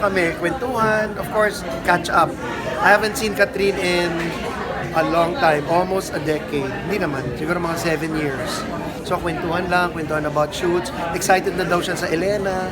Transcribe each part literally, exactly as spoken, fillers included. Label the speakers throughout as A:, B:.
A: Kami, kwentuhan, of course, catch up. I haven't seen Catherine in a long time, almost a decade. Hindi naman, siguro mga seven years. So, kwentuhan lang, kwentuhan about shoots. Excited na daw siya sa Elena.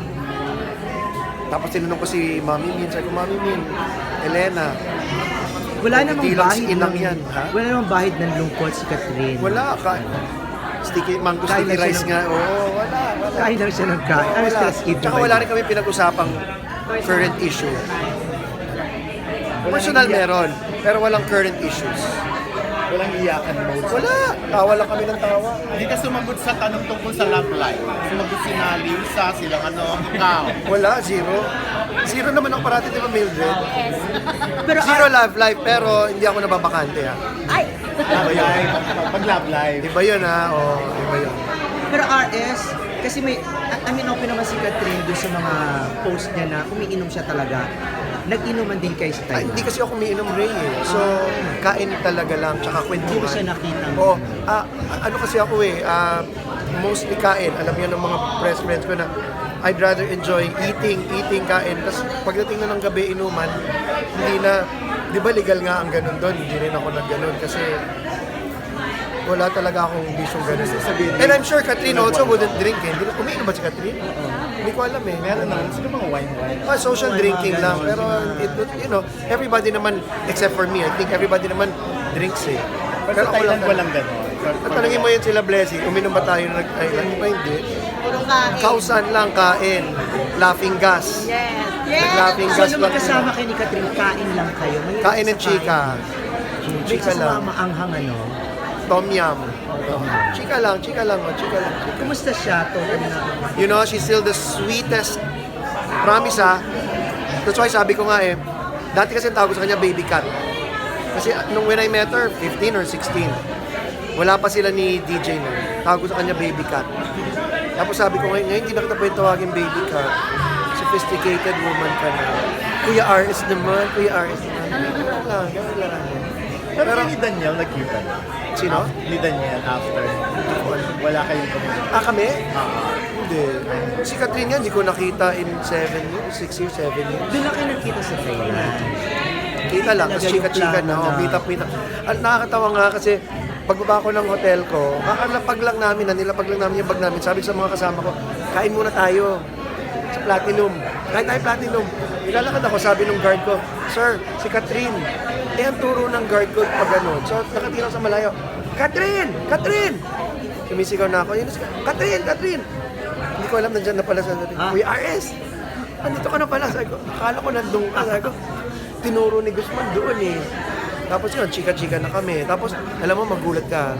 A: Tapos tinanong ko si Mami Min, sabi ko, Mami Min, Elena.
B: Wala namang
A: Hindi lang si
B: bahid
A: inang
B: ng,
A: yan, ha?
B: Wala namang bahid ng lungkot si Catherine.
A: Wala ka. Sticky, mango
B: Kain
A: sticky
B: lang siya
A: rice
B: ng-
A: nga. Oo, wala, wala.
B: Kain lang siya ng kain. Ano
A: Wala.
B: stress eat
A: Tsaka wala rin kami pinag-usapang current issue. Personal meron, pero walang current issues.
C: Walang iyakan mode.
A: Wala. Tawa lang kami ng tawa.
C: Hindi ka sumagot sa tanong tungkol sa love life. Sumagot si Nalisa, silang ano, ikaw.
A: Wala, zero. Zero naman ang parati, di ba, Mildred?
B: Pero
A: Zero love life, pero hindi ako nababakante, ha?
B: Ay!
C: Love life. Pag love life.
A: Iba yun, ha? O, iba yun.
B: Pero R S, kasi may, I I mean, open naman si Catherine doon sa mga post niya na umiinom siya talaga. Nag-inuman din kayo sa
A: Ay,
B: Thailand.
A: hindi kasi ako umiinom, Ray, eh. So, kain talaga lang, tsaka kwentuhan.
B: Hindi mo siya nakita.
A: Oo. Ah, ano kasi ako eh, ah, mostly kain. Alam niyo ng mga press friends ko na I'd rather enjoy eating, eating, kain. Tapos pagdating na ng gabi, inuman, hindi na, di ba legal nga ang ganun doon? Hindi rin ako nag-ganun kasi wala talaga akong bisyong ganun. And I'm sure Catherine also wouldn't drink eh. Hindi na, umiinom ba si Catherine? Hindi ko alam eh.
C: Meron naman. Sino mga wine-wine?
A: Ah, social drinking lang. Pero, it, you know, everybody naman, except for me, I think everybody naman drinks eh.
C: Pero sa
A: ako
C: Thailand
A: lang-
C: walang gano'n.
A: At talangin mo yun sila Blessing, uminom ba tayo na nag-Thailand? Iba hindi.
D: Puro kain.
A: Kausan lang, kain. Laughing gas.
D: Yes. Yes.
A: Nag-laughing
B: So,
A: gas
B: nung
A: lang.
B: magkasama kayo ni Catherine, kain lang kayo. May
A: Kain ng chika.
B: May
A: Chika lang.
B: kasama anghang ano.
A: Tom yum. Chika lang, chika lang, oh, chika lang.
B: Kumusta siya? Total na.
A: You know, she's still the sweetest. Promise ha. That's why sabi ko nga eh, dati kasi tawag ko sa kanya baby cat. Kasi uh, nung when I met her, fifteen or sixteen, wala pa sila ni D J nun. Tawag ko sa kanya baby cat. Tapos sabi ko ngayon, ngayon hindi na kita pwede tawagin baby cat. Sophisticated woman ka na. Kuya R S naman, Kuya R S naman. Ganun lang, ganun lang.
C: Pero,
A: Pero-
C: ni Daniel nagkita na.
A: Sino?
C: Ni Daniel after. Wala kayong community.
A: Ah, kami?
C: Ah,
A: Hindi. Si Catherine nga, hindi ko nakita in seven years, six years, seven years.
B: Doon lang kayo nagkita sa Thailand.
A: Kita lang, tapos chika-chika na, oh, meet up, meet up. At nakakatawa nga kasi, pagbaba ko ng hotel ko, kakalapag lang namin, nanilapag lang namin yung bag namin. Sabi ko sa mga kasama ko, kain muna tayo sa Platinum. Kain tayo Platinum. Nilalakad ako, sabi ng guard ko, Sir, si Catherine. Eh, ang turo ng guard ko pag ganun. So, nakatira sa malayo, Catherine! Catherine! Sumisigaw na ako, yun, Catherine! Catherine! Hindi ko alam, nandyan na pala sa
B: Ah.
A: Kuya R S! Andito ka na pala. Sabi ko, akala ko nandun ka. Sabi ko, tinuro ni Guzman doon eh. Tapos yun, chika-chika na kami. Tapos, alam mo, magulat ka.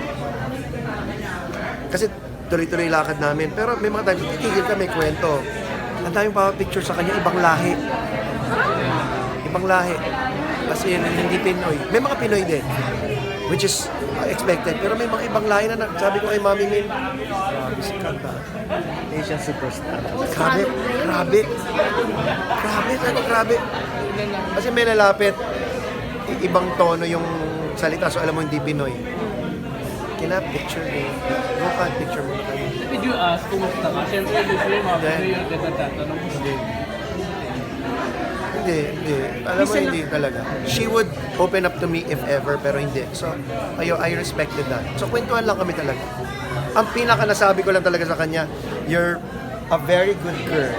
A: Kasi tuloy-tuloy lakad namin. Pero may mga times, titigil kami, kwento. Ang daming pa picture sa kanya, ibang lahi. Ibang lahi. Kasi yun, hindi Pinoy. May mga Pinoy din. Which is uh, expected. Pero may mga ibang lahi na, na sabi ko kay Mami Min, grabe si Kanta.
C: Asian superstar.
A: Grabe, grabe. Grabe, sabi ko, grabe. Kasi may lalapit, i- ibang tono yung salita, so alam mo hindi Pinoy. Kinap, picture mo. Go ka, picture mo na kayo.
E: Did you ask kumusta ka? Siyempre, usually mga
A: Hindi.
E: Pinoy yung nagtatanong mo.
A: Hindi. Hindi, hindi. Alam mo, hindi talaga. She would open up to me if ever, pero hindi. So, ayo, I respected that. So, kwentuhan lang kami talaga. Ang pinaka nasabi ko lang talaga sa kanya, you're a very good girl.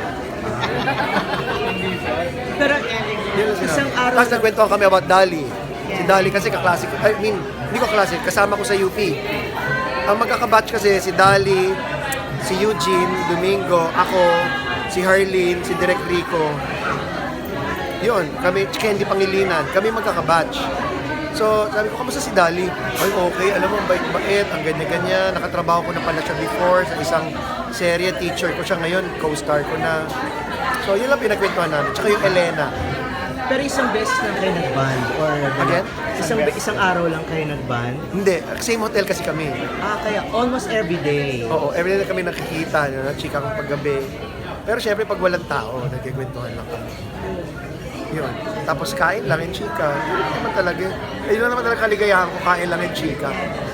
B: Pero
A: Yun ang
B: isang
A: sinabi.
B: araw
A: Tapos nagkwentuhan kami about Dali. Si Dali kasi kaklase ko. I mean, hindi ko klase, kasama ko sa U P. Ang magkakabatch kasi si Dali, si Eugene, Domingo, ako, si Harleen, si Direk Rico. Yun, kami, Candy Pangilinan, kami magkakabatch. So, sabi ko, kamusta si Dali? Ay, okay, alam mo, ang bait-bait, ang ganyan-ganyan. Nakatrabaho ko na pala siya before sa isang serye, teacher ko siya ngayon, co-star ko na. So, yun lang pinagkwentuhan namin. Tsaka yung Elena.
B: pero isang beses lang kayo nag-band or
A: Again?
B: Isang isang araw lang kayo nag-band.
A: Hindi, same hotel kasi kami.
B: Ah, kaya almost every day.
A: Oo, everyday na kami nakikita, no, chika kong paggabi. Pero syempre pag walang tao, nagkikwentuhan lang kami. Yun. Tapos kain lang yung chika. Yun lang naman talaga. Ayun lang naman talaga kaligayahan ko, kain lang yung chika.